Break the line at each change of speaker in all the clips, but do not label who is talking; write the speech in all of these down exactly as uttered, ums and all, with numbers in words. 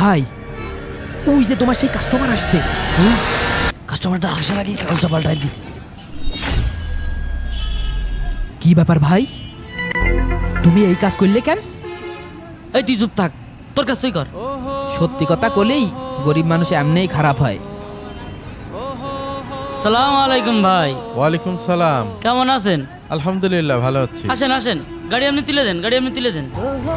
ভাই ওই যে তোমার সেই কাস্টমার আসছে। হ্যাঁ কাস্টমারটা আসার আগেই কাগজটা পাল্টাই দি। কি ব্যাপার ভাই, তুমি এই কাজ করলে কেন?
এই তুই চুপ থাক, তোর কাজ তুই কর।
সত্যি কথা কলেই গরিব মানুষ এমনিই খারাপ হয়।
সালাম আলাইকুম ভাই।
ওয়ালাইকুম সালাম।
কেমন আছেন?
আলহামদুলিল্লাহ ভালো আছি।
আসেন আসেন, গাড়ি আপনি তুলে দেন, গাড়ি আপনি তুলে দেন।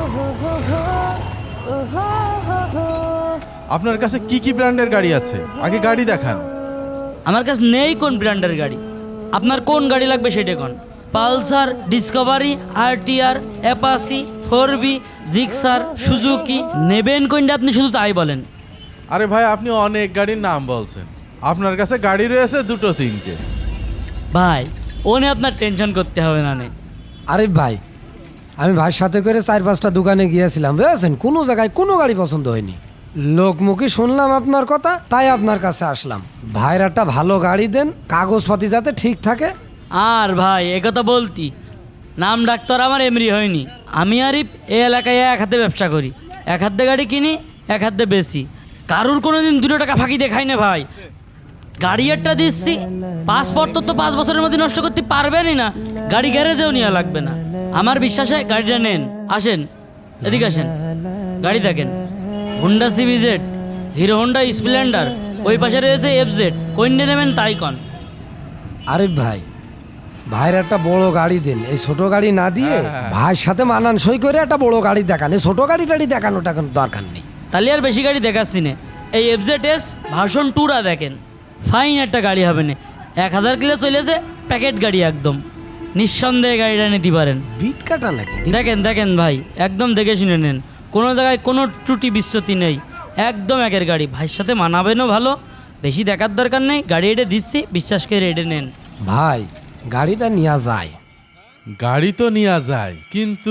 আপনার কাছে কি কি ব্র্যান্ডের গাড়ি আছে আগে গাড়ি দেখান।
আমার কাছে নেই কোন ব্র্যান্ডের গাড়ি, আপনার কোন গাড়ি লাগবে সেটা কোন। Pulsar, Discovery, RTR, Apache, four B, Gixxer, Suzuki, নেবেন কোনটা আপনি শুধু তাই বলেন।
আরে ভাই আপনি অনেক গাড়ির নাম বলছেন, আপনার কাছে গাড়ি রয়েছে দুটো তিনটে।
ভাই ও নিয়ে আপনার টেনশন করতে হবে না। নে
আরে ভাই আমি ভাইয়ের সাথে করে চার পাঁচটা দোকানে গিয়েছিলাম, বুঝেছেন, কোনো জায়গায় কোনো গাড়ি পছন্দ হয়নি। লোকমুখী শুনলাম আপনার কথা, তাই আপনার কাছে আসলাম। ভাইয়ের একটা ভালো গাড়ি দেন, কাগজপাতি যাতে ঠিক থাকে।
আর ভাই একথা বলতি, নাম ডাক্তার আমার এমরি হয়নি। আমি আরিফ এই এলাকায় এক হাতে ব্যবসা করি, এক হাতে গাড়ি কিনি, এক হাতে বেশি। কারুর কোনো দিন দুটো টাকা ফাঁকি দেখাই না ভাই। গাড়ি একটা দিচ্ছি, পাসপোর্ট তো পাঁচ বছরের মধ্যে নষ্ট করতে পারবেনই না, গাড়ি গ্যারেজেও নেওয়া লাগবে না। আমার বিশ্বাসে গাড়িটা নেন। আসেন এদিকে আসেন, গাড়ি দেখেন। Honda CBZ, Hero Honda Splendor, ওই পাশে রয়েছে এফজেড, কোনটা নেবেন তাই কন।
আরে ভাই ভাইয়ের একটা বড় গাড়ি দেন, এই ছোট গাড়ি না দিয়ে ভাইয়ের সাথে মানানসই করে একটা বড় গাড়ি দেখান। এই ছোট গাড়ি টাড়ি দেখানোটা কোনো দরকার নেই।
তাহলে আর বেশি গাড়ি দেখাচ্ছি না, এই এফজেড এস ভার্সন টুরা দেখেন, ফাইন একটা গাড়ি হবে না। এক হাজার কিলো চলেছে, প্যাকেট গাড়ি একদম, নিঃসন্দেহে গাড়িটা নিতে পারেন।
বিট কাটা নাকি?
দেখেন দেখেন ভাই, একদম দেখে শুনে নেন, কোনো জায়গায় কোনো ত্রুটি বিচ্যুতি নেই, একদম একের গাড়ি। ভাইয়ের সাথে মানাবেনও ভালো, বেশি দেখার দরকার নেই। গাড়ি এটে দিচ্ছি, বিশ্বাস করে এটে নেন।
ভাই গাড়িটা নেওয়া যায়।
গাড়ি তো নেওয়া যায়, কিন্তু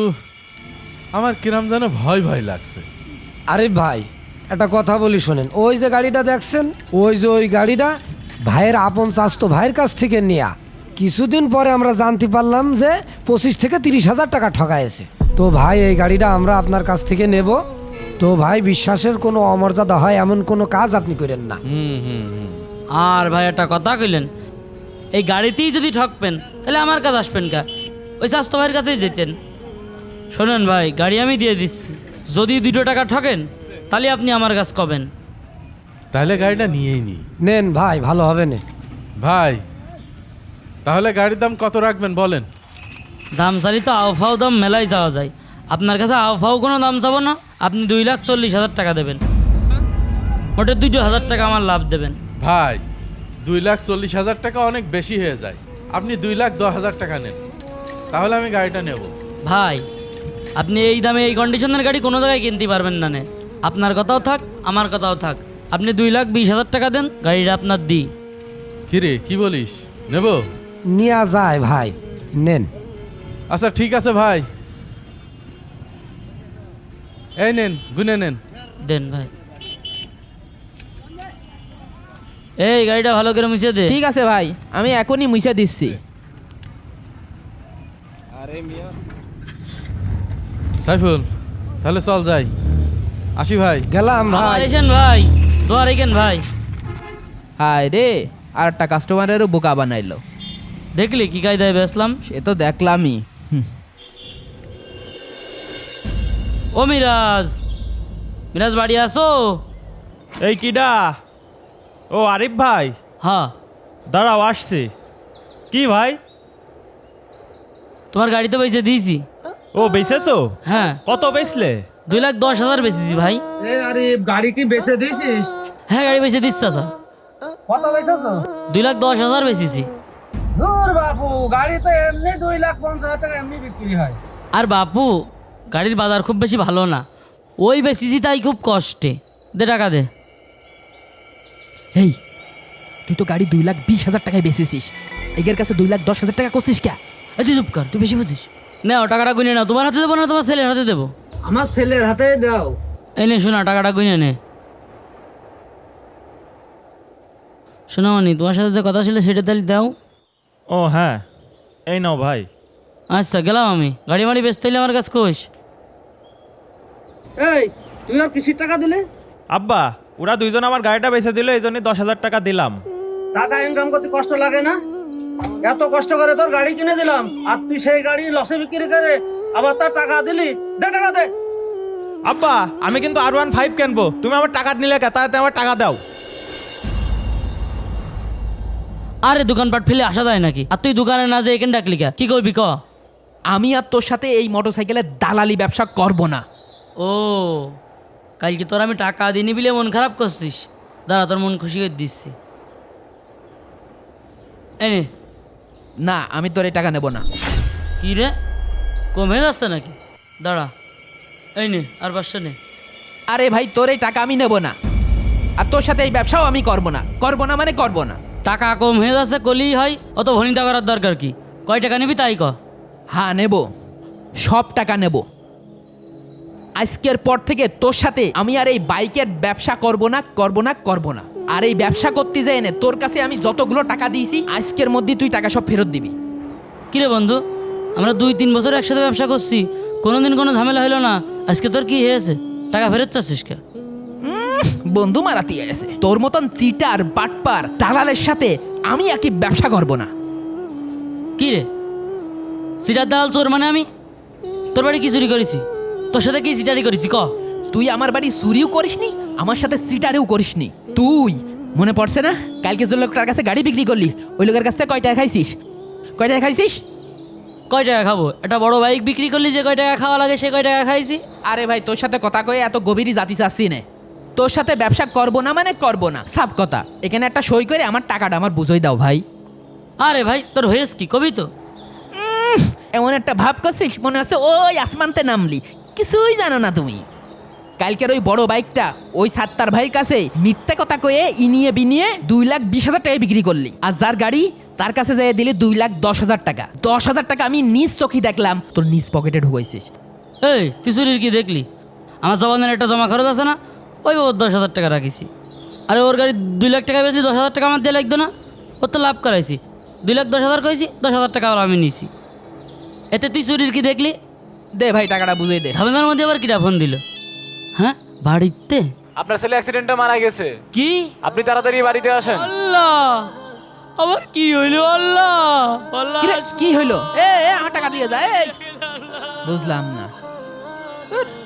আমার কিরাম যেন ভয় ভয় লাগছে।
আরে ভাই একটা কথা বলি শোনেন, ওই যে গাড়িটা দেখছেন, ওই যে ওই গাড়িটা ভাইয়ের আপন চাস্তো ভাইয়ের কাছ থেকে নেয়া। কিছুদিন পরে আমরা জানতে পারলাম যে পঁচিশ থেকে তিরিশ হাজার টাকা ঠকাইছে। তো ভাই এই গাড়িটা আমরা আপনার কাছ থেকে নেব। তো ভাই বিশ্বাসের কোনো অমর্যাদা হয় এমন কোনো কাজ আপনি করেন না।
হুম হুম হুম
আর ভাই একটা কথা কইলেন, এই গাড়িতেই যদি ঠকবেন তাহলে আমার কাছে আসবেন কা, ওই স্বাস্থ্য ভাইয়ের কাছেই যেতেন। শোনেন ভাই, গাড়ি আমি দিয়ে দিচ্ছি, যদি দুটো টাকা ঠকেন তাহলে আপনি আমার কাছে কবেন।
তাহলে গাড়িটা নিয়েই নি।
নেন ভাই, ভালো হবে না।
ভাই তাহলে গাড়ির দাম কত রাখবেন বলেন।
দাম চালি তো আওফাও দাম মেলাই যাওয়া যায়, আপনার কাছে আওফাও কোনো দাম চাবো না। আপনি দুই লাখ চল্লিশ হাজার টাকা দেবেন, মোটে দুটো হাজার টাকা আমার লাভ দেবেন।
ভাই দুই লাখ চল্লিশ হাজার টাকা অনেক বেশি হয়ে যায়, আপনি দুই লাখ দশ হাজার টাকা নেন, তাহলে আমি গাড়িটা নেব।
ভাই আপনি এই দামে এই কন্ডিশনের গাড়ি কোনো জায়গায় কিনতে পারবেন না। নে আপনার কথাও থাক, আমার কথাও থাক, আপনি দুই লাখ বিশ হাজার টাকা দেন, গাড়িটা আপনার দিই।
কিরে কি বলিস, নেব?
নেওয়া যায় ভাই, নেন।
আচ্ছা ঠিক আছে ভাই, এই নেন গুনে নেন।
দেন ভাই, এই গাড়িটা ভালো করে মুছে দে।
ঠিক আছে ভাই, আমি এখনই মুছে দিচ্ছি।
সাইফুল তাহলে চল যাই, আসি ভাই।
গেলাম
আবার
ভাই।
এসেন ভাই, দোয়া রেখেন ভাই।
হায় রে, আর একটা কাস্টমারেরও বোকা বানাইলো।
দেখলি কি কায়দায় বেসলাম।
সে তো দেখলামই। হুম,
ও মিরাজ, মিরাজ বাড়ি আসো।
এই কিডা? ও আরিফ ভাই,
হ্যাঁ
দাঁড়াও আসছে। কি ভাই?
তোমার গাড়ি তো বেঁচে দিয়েছি।
ও বেচেছো?
হ্যাঁ
কত বেচলে?
দুই লাখ দশ হাজার বেচেছি ভাই।
এ আরে গাড়ি কি বেচে দিয়েছিস?
হ্যাঁ গাড়ি বেঁচে দিস চাচা,
কত বেচেছ?
দুই লাখ দশ হাজার বেচেছি।
দূর বাপু, গাড়ি তো এমনি দুই লাখ পঞ্চাশ হাজার টাকা এমনি বিক্রি হয়।
আর বাপু গাড়ির বাজার খুব বেশি ভালো না, ওই বেচেছি তাই খুব কষ্টে। দে টাকা দে।
এই তুই তো গাড়ি দুই লাখ বিশ হাজার টাকায় বেচেছিস, এগের কাছে দুই লাখ দশ হাজার টাকা করছিস কে?
এই তুই চুপ কর, তুই বেশি বুঝিস। নাও টাকাটা গুনে নাও, তোমার হাতে দেবো না তোমার ছেলের হাতে দেবো।
আমার ছেলের হাতে দাও।
এই নে শোনা, টাকাটা গুনে নে। শোনা মানি, তোমার সাথে যে কথা ছিল সেটা তাহলে দাও।
ও হ্যাঁ, এই নাও ভাই।
আচ্ছা গেলাম আমি, গাড়ি মাড়ি বেচতে হলে আমার কাছে কোষ।
এই তুই আর কিসির টাকা দিলি?
আব্বা ওরা দুইজন আমার গাড়িটা বেচে দিল এই জন্যই দশ হাজার টাকা দিলাম।
টাকা ইনকাম করতে কষ্ট লাগে না? এত কষ্ট করে তোর গাড়ি কিনে দিলাম, আর তুই সেই গাড়ি লসে বিক্রি করে আবার তার টাকা দিলি? দে টাকা দে।
আব্বা আমি কিন্তু আর ওয়ান ফাইভ কিনবো, তুমি আমার টাকা নিলে কে? তাতে আমার টাকা দাও।
আরে দোকানপাট ফেলে আসা যায় নাকি? আর তুই দোকানে না যে এখানে ডাকলি কে? কি করবি ক?
আমি আর তোর সাথে এই মোটরসাইকেলের দালালি ব্যবসা করব না।
ও কালকে তোর আমি টাকা দিনি বিলে মন খারাপ করছিস, দাঁড়া তোর মন খুশি করে দিচ্ছি। এনে
না, আমি তোর এই টাকা নেব না।
কি রে, কমে যাচ্ছে নাকি? দাঁড়া, এই নে আর পাঁচশো নে।
আরে ভাই, তোর এই টাকা আমি নেব না, আর তোর সাথে এই ব্যবসাও আমি করব না। করব না মানে করব না।
টাকা কম হয়ে যাচ্ছে কলিই হয়, অত ভনিতা করার দরকার কি? কয় টাকা নিবি তাই ক।
হ্যাঁ নেব, সব টাকা নেব। আজকের পর থেকে তোর সাথে আমি আর এই বাইকের ব্যবসা করব না, করব না, করব না। আর এই ব্যবসা করতে যাই এনে তোর কাছে আমি যতগুলো টাকা দিয়েছি আজকের মধ্যে তুই টাকা সব ফেরত দিবি।
কিরে বন্ধু, আমরা দুই তিন বছর একসাথে ব্যবসা করছি, কোনোদিন কোনো ঝামেলা হলো না, আজকে তোর কি হয়েছে? টাকা ফেরত চাচ্ছিস কে?
বন্ধু মারাতি আছে, তোর মতন চিটার বাটপার দালালের সাথে আমি একই ব্যবসা করব না।
কি রে, সিটার দালাল চোর মানে আমি? তোর বাড়ি কি চুরি করেছি? তোর সাথে কি সিটারি করেছি ক?
তুই আমার বাড়ি চুরিও করিসনি, আমার সাথে সিটারেও করিসনি। তুই মনে পড়ছে না কালকে যে লোকটার কাছে গাড়ি বিক্রি করলি, ওই লোকের কাছ থেকে কয় টাকা খাইছিস? কয় টাকা খাইছিস?
কয় টাকা খাবো? একটা বড় বাইক বিক্রি করলি যে কয় টাকা খাওয়া লাগে সে কয় টাকা খাইছি।
আরে ভাই, তোর সাথে কথা কয়ে এত গভীরই জাতি চাচ্ছি না। তোর সাথে ব্যবসা করব না মানে করব না, সাফ কথা। এখানে একটা সই করে আমার টাকাটা আমার বুঝোই দাও ভাই।
আরে ভাই তোর হয়েছ কি কবি তো?
এমন একটা ভাব করছিস মনে হচ্ছে ওই আসমানতে নামলি, কিছুই জানো না তুমি। কালকের ওই বড় বাইকটা ওই সাত্তার ভাইয়ের কাছে মিথ্যা কথা কয়ে ইনিয়ে বিনিয়ে দুই লাখ বিশ হাজার টাকায় বিক্রি করলি, আর যার গাড়ি তার কাছে যেয়ে দিলি দুই লাখ দশ হাজার টাকা। দশ হাজার টাকা আমি নিজ চোখে দেখলাম তোর নিজ পকেটে ঢুকাইছিস।
এই তুই চুরির কি দেখলি? আমার জবানের একটা জমা খরচ আছে না, ওই বাবদ দশ হাজার টাকা রাখিছি। আরে ওর গাড়ি দুই লাখ টাকা বেশি, দশ হাজার টাকা আমার দিয়ে লাগতো না? ওর তো লাভ করাইছি, দুই লাখ দশ হাজার করেছি, দশ হাজার টাকা আমি নিয়েছি। এতে তুই চুরির কি দেখলি?
দে ভাই টাকাটা বুঝিয়ে দে।
ঝামেলার মধ্যে আবার কিটা ফোন দিল? হ্যাঁ বাড়িতে?
আপনার ছেলে অ্যাক্সিডেন্টে মারা গেছে,
কি?
আপনি তাড়াতাড়ি বাড়িতে আসেন।
আল্লাহ, আবার কি হইলো? আল্লাহ আল্লাহ,
কি রে, কি হইলো? এ এ, আমার টাকা দিয়ে যা। এই বুঝলাম না। উঠ।